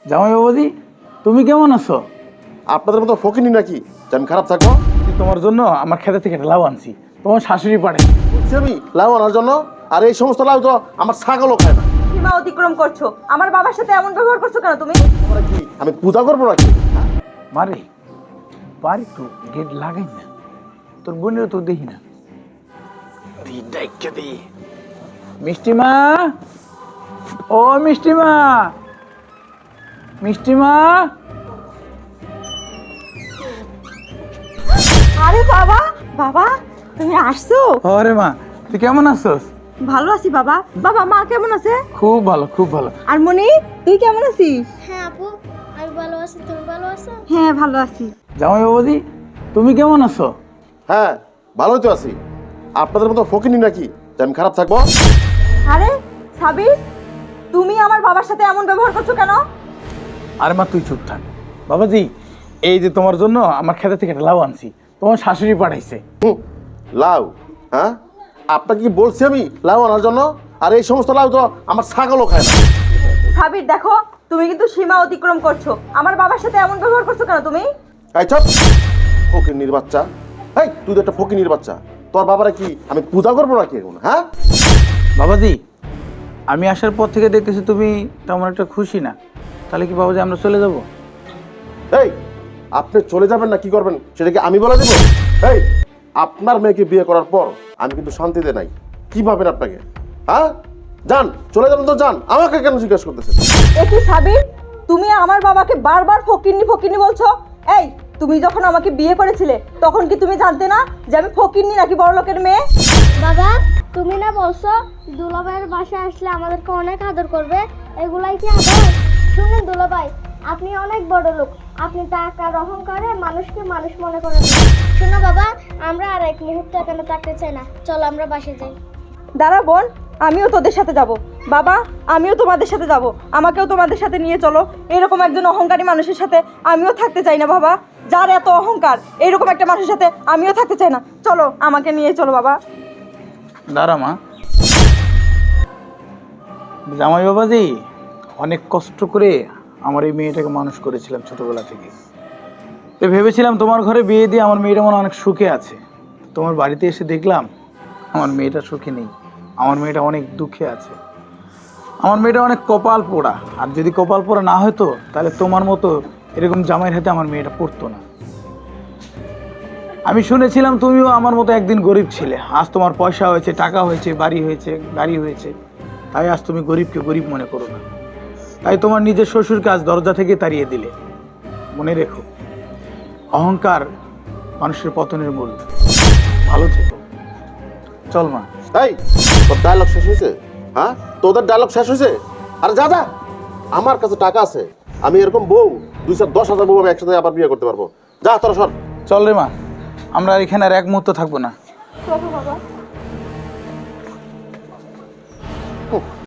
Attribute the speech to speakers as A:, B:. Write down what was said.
A: জামাই বাবাজি, তুমি কেমন আছো?
B: আপনাদের মতো ফকিনি নাকি যে আমি খারাপ থাকবো?
A: তোমার জন্য আমার খেতে থেকে একটা লাউ আনছি, তোমার শাশুড়ি পাড়ে।
B: বলছি আমি লাউ আনার জন্য, আর এই সমস্ত লাউ তো আমার ছাগলও খায় না।
C: সীমা অতিক্রম করছো। আমার বাবার সাথে এমন ব্যবহার করছো কেন তুমি?
B: তোমরা কি আমি পূজা করবো নাকি?
A: মারে বাড়ি তো গেট লাগাই না, তোর বোনেরও তো দেখি না। মিষ্টিমা, ও মিষ্টিমা, মিষ্টিমা।
C: আরে বাবা, বাবা তুমি আসছো?
A: আরে মা, তুই কেমন আছিস?
C: ভালো আছি বাবা। বাবা মা কেমন আছে?
A: খুব ভালো, খুব ভালো।
C: আর মনি, তুই কেমন আছিস?
D: হ্যাঁ আপু, আমি ভালো আছি। তুমি ভালো আছো?
C: হ্যাঁ ভালো আছি।
A: জামাই বাবাজি, তুমি কেমন আছো?
B: হ্যাঁ, ভালোই তো আছি। আপনাদের মতো ফকিনি নাকি যে আমি খারাপ থাকবো?
C: আরে সাবির, তুমি আমার বাবার সাথে এমন ব্যবহার করছো কেন?
A: আরে মা তুই চুপ থাক। বাবাজি, এই যে তোমার জন্য আমার খেতে থেকে একটা লাউ আনছি, তোমার শাশুড়ি পাঠাইছে।
B: লাউ? হ্যাঁ, আপনাকে কি বলছি আমি লাউ আনার জন্য? আর এই সমস্ত লাউ তো আমার ছাগলও খায় না।
C: সাবির দেখো, তুমি কিন্তু সীমা অতিক্রম করছো। আমার বাবার সাথে এমন ব্যবহার করছো কেন তুমি?
B: এই চপ, ফকিনির বাচ্চা। এই তুই তো একটা ফকিনির বাচ্চা। তোর বাবারা কি আমি পূজা করবো নাকি এখন? হ্যাঁ,
A: বাবাজি, আমি আসার পর থেকে দেখতেছি তুমি তেমন একটা খুশি না। তাহলে কি বাবাজি আমরা চলে যাব?
B: এই আপনি চলে যাবেন না কি করবেন সেটা কি আমি বলে দেবো? এই আপনার মেয়েকে বিয়ে করার পর আমি কিন্তু শান্তিতে নাই। কি ভাবেন আপনাকে? হ্যাঁ, যান, চলে যাবেন তো যান, আমাকে কেন জিজ্ঞাসা করতেছেন?
C: এ কি সাবির, তুমি আমার বাবাকে বারবার ফকিন্নি ফকিন্নি বলছো? এই, তুমি যখন আমাকে বিয়ে করেছিলে তখন কি তুমি জানতে না যে আমি ফকিন্নি নাকি বড় লোকের মেয়ে?
D: বাবা, তুমি না বলছো দুলাভাইয়ের বাসায় আসলে আমাদেরকে অনেক আদর করবে? এগুলাই কি আদর? শুনুন দুলাভাই, আপনি অনেক বড় লোক। আপনি টাকার অহংকারে মানুষকে মানুষ মনে করেন না। শোনো বাবা, আমরা আর এক মুহূর্ত এখানে থাকতে চাই না। চলো আমরা বাসে যাই।
C: দাঁড়া বোন, আমিও তোদের সাথে যাব। বাবা, আমিও তোমাদের সাথে যাব। আমাকেও তোমাদের সাথে নিয়ে চলো। এরকম একজন অহংকারী মানুষের সাথে আমিও থাকতে চাই না বাবা। যার এত অহংকার, এরকম একটা মানুষের সাথে আমিও থাকতে চাই না। চলো, আমাকে নিয়ে চলো বাবা।
A: দাঁড়া মা। জামাই বাবাজি, অনেক কষ্ট করে আমার এই মেয়েটাকে মানুষ করেছিলাম ছোটবেলা থেকে। তো ভেবেছিলাম তোমার ঘরে বিয়ে দিয়ে আমার মেয়েটা মনে হয় অনেক সুখে আছে। তোমার বাড়িতে এসে দেখলাম আমার মেয়েটা সুখে নেই, আমার মেয়েটা অনেক দুঃখে আছে। আমার মেয়েটা অনেক কপাল পোড়া। আর যদি কপাল পোড়া না হতো তাহলে তোমার মতো এরকম জামাইয়ের হাতে আমার মেয়েটা পড়তো না। আমি শুনেছিলাম তুমিও আমার মতো একদিন গরিব ছিলে। আজ তোমার পয়সা হয়েছে, টাকা হয়েছে, বাড়ি হয়েছে, গাড়ি হয়েছে, তাই আজ তুমি গরিবকে গরিব মনে করো না। তাই তোমার নিজের শ্বশুরকে আজ দরজা থেকে তাড়িয়ে দিলে। মনে রেখো, অহংকার মানুষের পতনের মূল। ভালো থেকো। চল মা।
B: এই তোর ডায়লগ শেষ হয়েছে? হ্যাঁ, তোদের ডায়লগ শেষ হয়েছে? আর যা যা, আমার কাছে টাকা আছে। আমি এরকম বউ 2-10,000 বউ আমি একসাথে আবার বিয়ে করতে পারবো। যা তোরা সর।
A: চল রে মা, আমরা আর এখানে আর এক মুহূর্ত থাকবো না।
C: চলো বাবা।